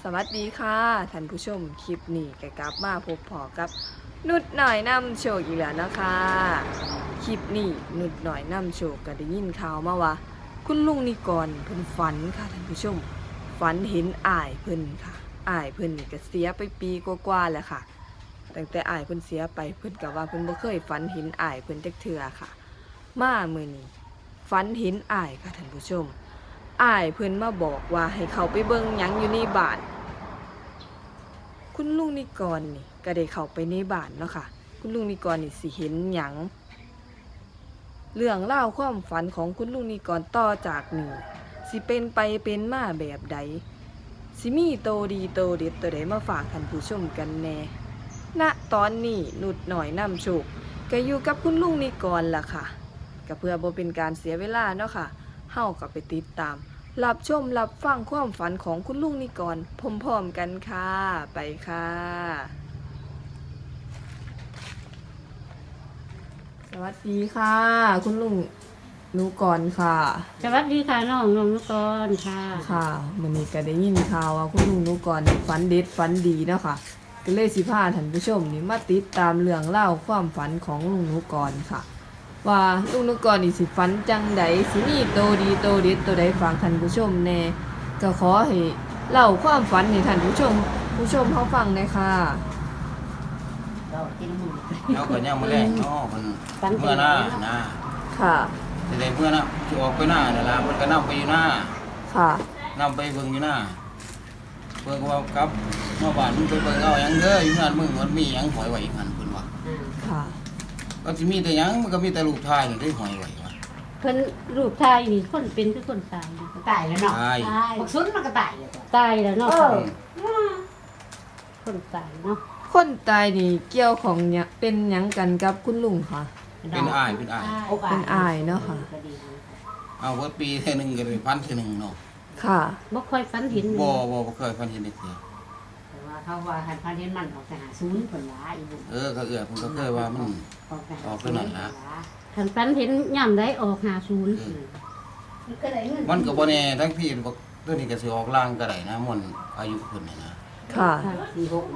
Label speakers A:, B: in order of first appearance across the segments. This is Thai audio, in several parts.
A: สวัสดีค่ะท่านผู้ชมคลิปนี้ก็กลับมาพบพอกับนุดหน่อยนำโชคอีกแล้วนะคะคลิปนี้นุดหน่อยนำโชคก็ได้ยินข่าวมาว่าคุณลุงนิกรเพิ่นฝันค่ะท่านผู้ชมฝันเห็นอ้ายเพิ่นค่ะอ้ายเพิ่นนี่ก็เสียไปปีกว่าๆแล้วค่ะตั้งแต่อ้ายเพิ่นเสียไปเพิ่นก็ว่าเพิ่นบ่เคยฝันเห็นอ้ายเพิ่นจักเทื่อค่ะมามื้อนี้ฝันเห็นอ้ายค่ะท่านผู้ชมอ้ายเพิ่นมาบอกว่าให้เขาไปเบิ่งหยังอยู่ในบ้านคุณลุงนิกรนี่ก็ได้เข้าไปในบ้านเนาะค่ะคุณลุงนิกรนี่สิเห็นหยังเรื่องเล่าวความฝันของคุณลุงนิกรต่อจากนี้สิเป็นไปเป็นมาแบบใดสิมีโตดีโตเด็ดตัวใดมาฝากท่านผู้ชมกันแน่ณตอนนี้นุดหน่อยนำโชคก็อยู่กับคุณลุงนิกรล่ะค่ะก็เพื่อบ่เป็นการเสียเวลาเนาะค่ะเฮาก็ไปติดตามรับชมรับฟังความฝันของคุณลุงนิกรพร้อมๆกันค่ะไปค่ะสวัสดีค่ะ คุณลุงนุกรค่ะ
B: สวัสดีค่ะน้องนุกรค่ะ
A: ค่ะวันนี้ก็ได้ยินข่าวว่าคุณลุงนุกรนี่ฝันเด็ดฝันดีเนาะค่ะก็เลยสิพาท่านผู้ชมนี่มาติดตามเรื่องเล่าวความฝันของลุงนุกรค่ะ ว่าลุงนุกรนี่สิฝันจังใดสิมีโตดีโตเด็ดตัวใดฝากท่านผู้ชมแน่ก็ขอให้เล่าความฝันให้ท่านผู้ชมเขาฟังหน่อยค่ะ
B: เรากินหมู
C: เราก็ยังมาแรกเนาะมันเมื่อหน้านะ
A: ค่ะ
C: แต่เมื่อหน้าที่ออกไปหน้าเนี่ยละมันก็นำไปอยู่หน้า
A: ค่ะ
C: นำไปเบิ่งอยู่หน้าเพิ่นก็ว่ากับเมื่อวานมึงไปเบิ่งเอาหยังเด้ออยู่นั่นมึงมันมีหยังหอยไว้อีกหันเพิ่นว่า
A: ค่ะ
C: ก็สิมีแต่หยังมันก็มีแต่ลูกชายนี่ได้หอยไว้ว่า
B: เพิ่นรูปไทยนี่คนเป็นคือคนตายนะ
D: ตายแล้วเนาะ
C: ตาย
D: บักซุนมันก็ตายเลย
B: ตายแล้วเนาะ คนตายเนาะ
A: คนตายนี่เกี่ยวของเนี่ยเป็นหยังกันกับคุณลุงค่ะ
C: เป็นอ้ายเป็นอ้าย
A: เป็นอายเนาะค่ะ
C: เอาว่าปีเท่อนึงก็ได้พันเท่อนึงเนาะ
A: ค่ะ
B: บ่ค่อยฝันเห็น
C: บ่เคยพันเห็นเด็กเดียว
D: แต่ว่าเขาว่าหันพาเห็นมันออกไปหาศูนย์ผลว่าอีบุญ
C: เขาเอื้อเพิ่นก็เคยว่ามัน
D: ออกไปหา
C: ออกไป
D: ศูน
C: ไหน
D: ย์
C: ล่ะ
B: คันฝันเห็นย่ำได้ออก50
D: มันก็ได้เงิน
C: มันก็บ่แน่ทั้งพี่บอกตัวนี้ก็สิออกล่างก็ได้นะมันอายุเพิ่นน่ะนะ
A: ค่ะ
D: สี่หก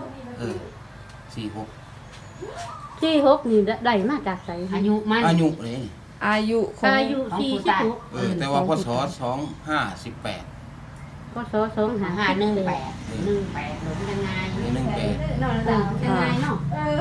C: 46
B: ที่6นี่ได้มาจากไส
D: อายุมัน
C: อายุนี่
A: อายุของ
B: อายุ46
C: แต่ว่าพศ2518
B: พศ
D: หา18 18หรือยังไง
B: เนาะยังไงเนาะ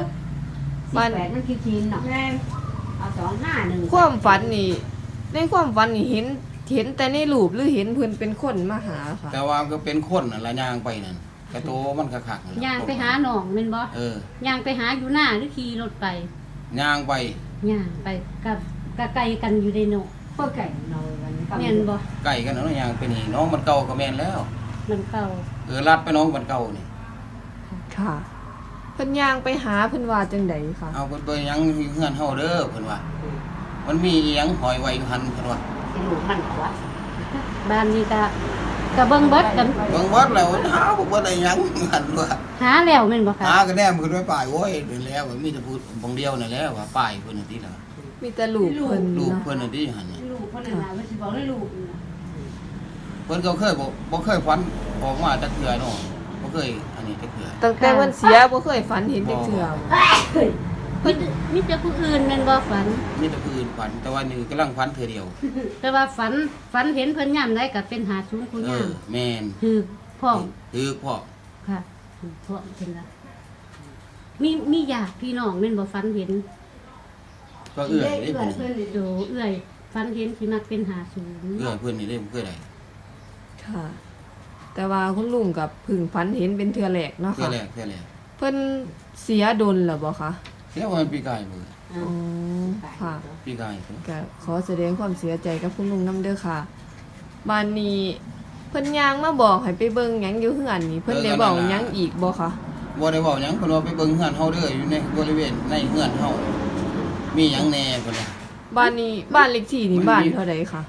D: 18มันคือจีนเนาะเอา251
A: ความฝันนี่ในความฝันนี่เห็นแต่ในรูปหรือเห็นเพิ่นเป็นคนมาหาค่ะ
C: แต่ว่าก็เป็นคนน่ะละย่างไปนั่นกระโตมันคักๆนั่นล่ะ
B: ย่างไปหาน้องแม่นบ่ ย่างไปหาอยู่หน้าหรือขี่รถไป
C: ย่างไป
B: ย่างไปกับไกลกันอยู่ในเนาะ
D: เพื่อไก่เราวันนี้
B: แม่นบ่
C: ไก่กันเนาะย่างไปนี่น้องมันเก่าก็แม่นแล้ว
B: มันเก่า
C: ลัดไปน้องมันเก่านี่
A: ค่ะเพิ่นย่างไปหาเพิ่นว่าจังไดค่ะ
C: เอาเพิ่นไปหยังอยู่เฮือนเฮาเด้อเพิ่นว่า มันมีอีหยังหอยไว้อยู่หั่นเพิ่นว่า
D: ที่ลูกมันกว่า
B: บ้านนี้ก็เบิ่งเบิดกัน
C: เบิ่งวัดแล้วหาบ่ได้หยังหั่นว่า
B: หาแล้วแม่นบ่คะ
C: หาก็แนมขึ้นไว้ป้ายโอ้ยเดี๋ยวแล้วมีแต่พูดบางเดียวนั่นแหละว่าป้ายเพิ่นน่ะติล่ะ
A: มีแต่รูปเพิ่น
C: ลูก
A: เนาะ
C: เพิ่นน่ะติหั่นน่ะ
D: ลูกคนนั้นน่ะมันสิบอกให้ลูก
C: เพิ่นก็เคยบ่เคยฝันออกมาจักเทื่อเนาะบ่เคยอันนี้จักเทื่อ
A: ตั้งแต่เพิ่นเสียบ่เคยฝันเห็นจักเทื่อ
B: มีแต่ผู้อื่นแม่นบ่ฝัน
C: มีแต่ผู้อื่นฝันแต่ว่านี่กำลังฝันเทื่อเดียว
B: แต่ว่าฝันเห็นเพิ่นย่ำได้ก็เป็น50ผู้ย่
C: แม่น
B: ำคือพ่อ
C: คือพ่อ
B: ค่ะคือพ่อเพิ่นล่ะมีญาติพี่น้องแม่นบ่ฝันเห็น
C: ก็เอื้อยได้เพิ่น
B: โดเอื้อยฝันเห็นสิมักเป็น50
C: เอื้อยเพิ่นนี่ได้บ่เคยได้
A: ค่ะ แต่ว่าคุณลุงกับเพึ่งฝันเห็นเป็นเทื่อแรกเนาะ
C: เทื่อ
A: ค่ะ
C: แรกเทื่อแรก
A: เพิ่นเสียดนแล้วบ่คะ
C: เสียว่ามันปีกายมื้อ
A: อ๋อค่ะ
C: ปีกายเพิ่น
A: ก็ขอแสดงความเสียใจกับคุณลุงนำเด้อค่ะบ้านนี้เพิ่นย่างมาบอกให้ไปเบิ่งหยังอยู่เฮือนนี่เพิ่นได้บอกหยังอีกบ่คะ
C: บ่ได้เว้าหยังเพิ่นว่าไปเบิ่งเฮือนเฮาเด้ออยู่ในบริเวณในเฮือนเฮามีหยังแหน่เพิ่นว่า
A: บ้านนี้บ้านเลขที่นี่บ้านเท่าใดคะ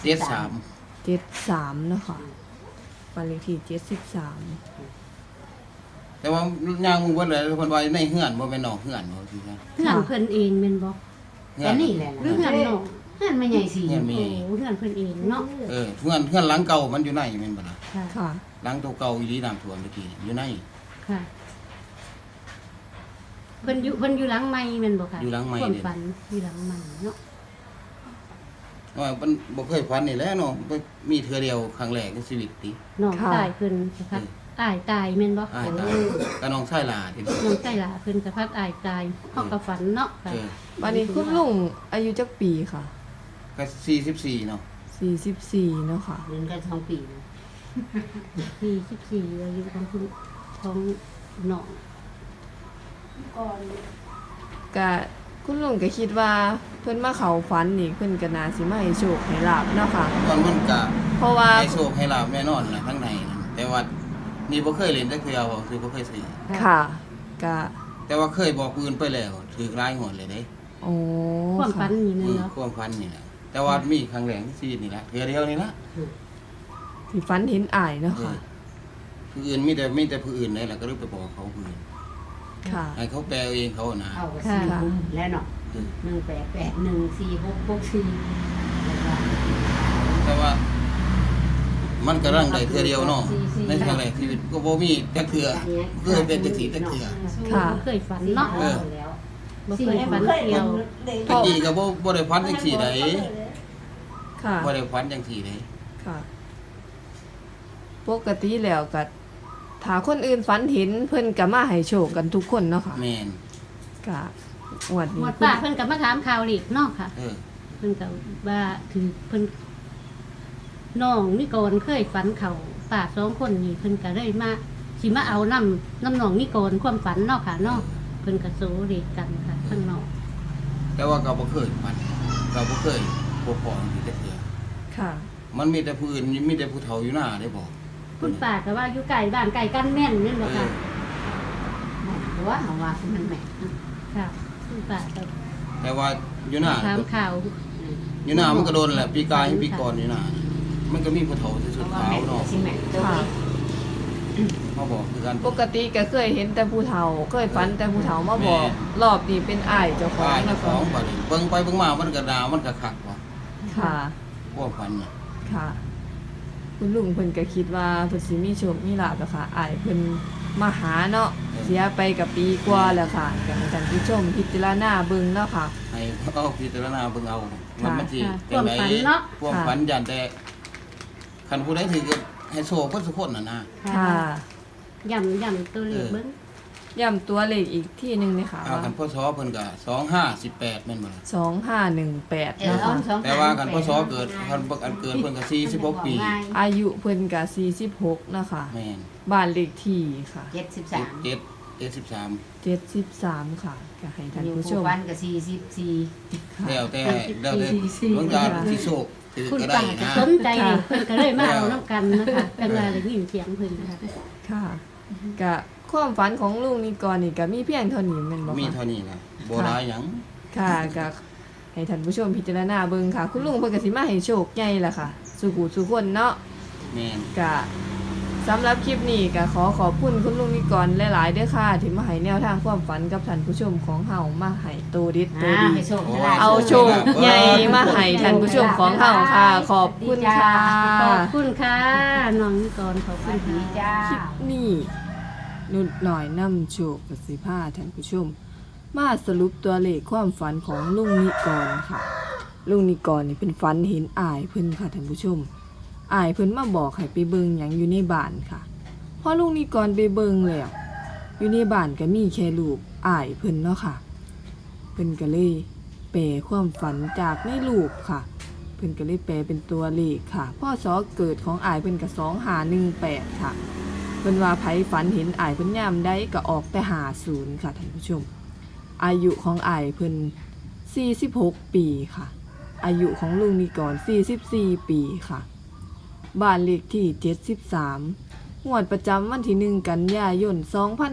C: 73
A: 73เนาะค่ะบ้านเลขที่73
C: แต่ว่าย่างมึงเบิดเลยเพิ่นว่าในเฮือนบ่แม่นนอกเฮือนบ่คือว่า
B: เพื่อนเพิ่นเองแม่นบ่
C: เฮื
D: แต่
C: อน
D: นี่แหละ
B: หรือเพื่อนน้อง
D: น
B: เฮือนแม่ใหญ่สิ
C: เฮือนแม่
B: โอ้
C: ใหญ่
B: เฮือนเพิ่นเองเนาะ
C: เพื่อนหลังเก่ามันอยู่ในแม่นบ่ล่ะ
B: ค่ะ
A: ค่ะ
C: หลังตัวเก่าอีหลีน้ำท่วมเมื่อกี้อยู่ใน
B: ค่ะเพิ่นอยู่หลังไม้แม่นบ่ค่ะ
C: อยู่หลังไม้
B: ความ
C: เด้
B: ฝันอยู่หลังไม้เนาะ
C: ว่ามันบ่เคยฝันนี่แหละเนาะมีเทื่อเดียวครั้งแรกในชีวิตติ
B: น้อง
A: ค่ะ
B: ตายเพิ่นสะพัดอายตายแม่นบ่
C: อ้ายตายก็น้องชายหลาที่
B: น้องใจหลาเพิ่นสะพัดอายตายเฮาก็ฝันเนาะค่ะ
A: วันนี้คุณลุงอายุจักปีค่ะ
C: ก็44เนาะ
A: 44เนาะค่ะ
D: เรียนกัน2 ปีนะ
B: 44อายุของคุณของน้อง
A: ก็คุณลุงก็คิดว่าเพิ่นมาเข้าฝันนี่เพิ่นก็น่าสิมาให้โชคให้ลาบเนาะค่ะ
C: มันก็
A: เพราะว่า
C: ให้โชคให้ลาบแน่นอนล่ะทั้งในนั่นแต่ว่านี่บ่เคยเล่นจักเทื่อบ่คือบ่เคยซื้อ
A: ค่ะก็
C: แต่ว่าเคยบอกผู้อื่นไปแล้วถูกหลายหนเลยเด้
A: โอ้
B: ความฝั
A: ค่ะ
B: นนี่แม่นเนาะ
C: ความฝันนี่แหละแต่ว่ามีครั้งแรกในชีวิตนี่แหละเทื่อเดียวนี่ละ
A: ที่ฝันเห็นอ้ายเนาะค่ะ
C: ผู้อื่นมีแต่ผู้อื่นนี่แหละก็เลยไปบอกเขาผู้อื่น
A: ค่ะ
C: ให้เขาแปลเองเขานะ
D: เอาก็4คุมแล้วเนาะ
C: คือ
D: 188146664แล้วก็
C: แต่ว่า มันก็ร่างได้เทื่อเดียวเนาะในครั้งแรกชีวิตก็บ่มีจักเทื่อเคยเป็นจักทีจักเทื่อ
A: ค่ะ
B: บ่เคยฝันเนาะ
D: แล้ว
B: บ่เคยฝันเกี่ยว
C: ตะกี้ก็บ่ได้ฝันจังซี่ได
A: ค่ะ
C: บ่ได้ฝันจังซี่ได
A: ค่ะ ปกติแล้วก็ถ้าคนอื่นฝันเห็นเพิ่นก็มาให้โชคกันทุกคนเนาะค่ะ
C: แม่น
A: ก็งวด
B: หม
A: นี้
B: ดป้าเพิ่นก็มาถามข่าวอีกเนาะค่ะ
C: เออ
B: เพิ่นก็ว่าถือเพิ่นน้องนิกรเคยฝันเขาป้า2คนนี่เพิ่นก็เลยมาสิมาเอาน้ำน้องนิกรความฝันเนาะค่ะเนาะเพิ่นก็โซเลขกันค่ะข้างนอก
C: แต่ว่าก็บ่เคยฝันก็บ่เคยพบพอจังซี่จักเทื่อ
A: ค่ะ
C: มันมีแต่ผู้อื่นมีแต่ผู้เฒ่าอยู่หน้าได้บอก
B: คุณป้าก็ว่าอยู่ไกลบ้านไกลกันแม่นแม่นบ่ค่ะ
D: แม่นตัวเฮาว่าคือมันแม่นนะ
B: ค่ะคุณป้าก็
C: แต่ว่าอยู่หน้า
B: ถามข่าว
C: อยู่หน้ามันก็โดนแหละปีกายปีก่อนอยู่หน้ามันก็มีผู้เฒ่าที่สุด
D: ว่า
C: ขาว
D: แม่น
C: เนาะ
D: สิแม่นตัว
A: ค่ะ
C: มาบอกคือกัน
A: ปกติก็เคยเห็นแต่ผู้เฒ่า เคยฝันแต่ผู้เฒ่ามาบอก รอบนี้เป็นอ้ายเจ้าของ
C: ป้ายเจ้า
A: นะ
C: ข
A: คะ
C: องบัดนี้เบิ่งไปเบิ่งมามันก็ดาวมันก็คักว่ะ
A: ค่ะ
C: พวกพันน่ะ
A: ค่ะ คุณลุงเพิ่นก็คิดว่าเพิ่นสิมีโชคมีลาภแล้วค่ะอ้ายเพิ่นมาหาเนาะเสียไปกับปีกว่าแล้วค่ะก็ให้ท่านผู้ชมพิจารณาเบิ่งเนาะค่ะ
C: ให้เอาพิจารณาเบิ่งเอาว่ามันสิ
B: ค่ะ
C: จังได
B: ความฝันเนาะ
C: พวกฝันยันแต่คันผู้ใดถือก็ให้โชคเพิ่นสุคนน่ะนะ
A: ค่ะ
B: ย่ำตัวเลขเบิ่ง
A: ย้ำตัวเลขอีกที่หนึงเลยค่ะ
C: เอา
A: ว่า
C: คันพศเพิ่นก็2518แม่นบ่ล่ะ
A: 2518
D: เออ
A: นะ
D: เอา
A: คะ
D: 2
C: แต่ว่าคันพศเกิดคันอันเกิดเพิ่นก็46ปี
A: อายุเพิ่นก็46นะคะ
C: แม่น
A: บ้านเลขที่ค่ะ
D: 73
A: 73ค่ะก็ให้ท่าน
D: อยู่
A: ผู้ช
D: ผู้
A: ม
D: ฟันก็44
A: ค่ะ
C: แล้วแต่บางการที่โชคถือ
B: คุณ
C: ก็ได้
B: ป้าก็
C: นะ
B: สนใจนี่เพิ่นก็เลยมาเอาน้ำกันนะคะจังว่าได้ยินเสียงเพิ่นนะคะ
A: ค่ะก็ความฝันของลุงนิกรนี่ก็มีเพียงเท่านี้แม่นบ่
C: มี
A: คะ
C: เท่านี้นะบ่หลายหยัง
A: ค่ะก็ให้ท่านผู้ชมพิจารณาเบิ่งค่ะ คุณลุงเพิ่นก็สิมาให้โชคใหญ่ล่ะค่ะสู่ผู้สู่คนเนาะ
C: แม่น
A: ก็สำหรับคลิปนี้ก็ขอขอบคุณคุณลุงนิกรหลายๆเด้อค่ะที่มาให้แนวทางความฝันกับท่านผู้ชมของเฮามาให้โตดิดโตดี
D: ให้โชคให้ลาภ
A: เอาโชคใหญ่มาให้ท่านผู้ชมของเฮาค่ะ ขอบคุณค่ะ
B: ขอบคุณค่ะน้องนิกรขอบ
D: ส
B: คุ
D: วั
B: ณ
D: สดี
B: ค่ะ
D: จ้า
A: คลิปนี้นุดหน่อยนำโชคกับสิพาท่านผู้ชม มาสรุปตัวเลขความฝันของลุงนิกรค่ะ ลุงนิกรนี่เป็นฝันเห็นอ้ายเพิ่นค่ะท่านผู้ชมอ้ายเพิ่นมาบอกให้ไปเบิ่งหยังอยู่ในบ้านค่ะพอลุงนิกรไปเบิ่งแล้วอยู่ในบ้านก็มีแค่รูปอ้ายเพิ่นเนาะค่ะเพิ่นก็เลยแปลความฝันจากในรูปค่ะ เพิ่นก็เลยแปลเป็นตัวเลขค่ะพ่อสอเกิดของอ้ายเพิ่นก็2518ค่ะ เพิ่นว่าไผฝันเห็นอ้ายเพิ่นยามใดก็ออกแต่50ค่ะท่านผู้ชม อายุของอ้ายเพิ่น46 ปีค่ะ อายุของลุงนิกร44 ปีค่ะ บ้านเลขที่73งวดประจำวันที่1กันยายน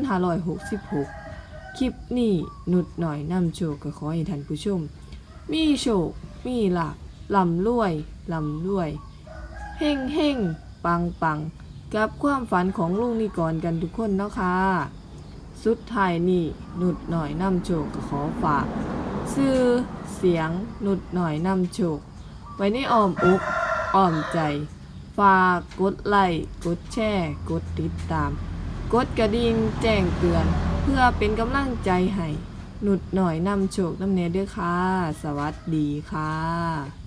A: 2566 คลิปนี้นุดหน่อยนำโชคก็ขอให้ท่านผู้ชม มีโชค มีลาภร่ำรวยร่ำรวย เฮ่งเฮ่งปังปังกับความฝันของลุงนิกรกันทุกคนเนาะค่ะ สุดท้ายนี่นุดหน่อยนำโชคก็ขอฝาก ซื้อเสเสียงนุดหน่อยนำโชคไว้ในอ้อมอกอ้อมใจฝากกดไลค์กดแชร์กดติดตามกดกระดิ่งแจ้งเตือนเพื่อเป็นกำลังใจให้นุดหน่อยนำโชคนำเนเด้อค่ะสวัสดีค่ะ